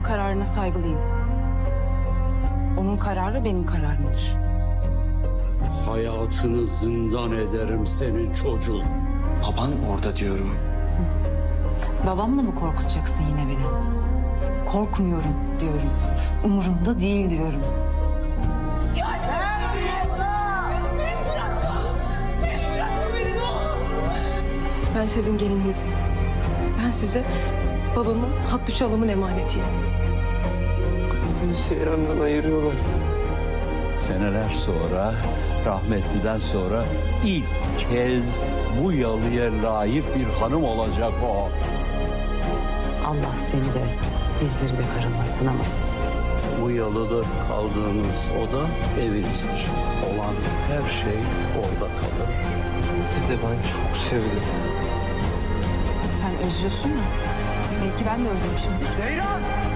kararına saygılıyım. Onun kararı benim kararımdır. Hayatını zindan ederim senin çocuğun. Baban orada diyorum. Babamla mı korkutacaksın yine beni? Korkmuyorum diyorum. Umurumda değil diyorum. Ben sizin gelininizim. Ben size babamın Hakkı Çalım'ın emanetiyim. Seyran'dan ayırıyorlar. Seneler sonra, rahmetliden sonra ilk kez bu yalıya layık bir hanım olacak o. Allah seni de bizleri de karınla sınamasın. Bu yalıda kaldığınız oda evinizdir. Olan her şey orada kalır. Dede ben çok sevdim. Sen özlüyorsun ya. Belki ben de özlemişim. Seyran!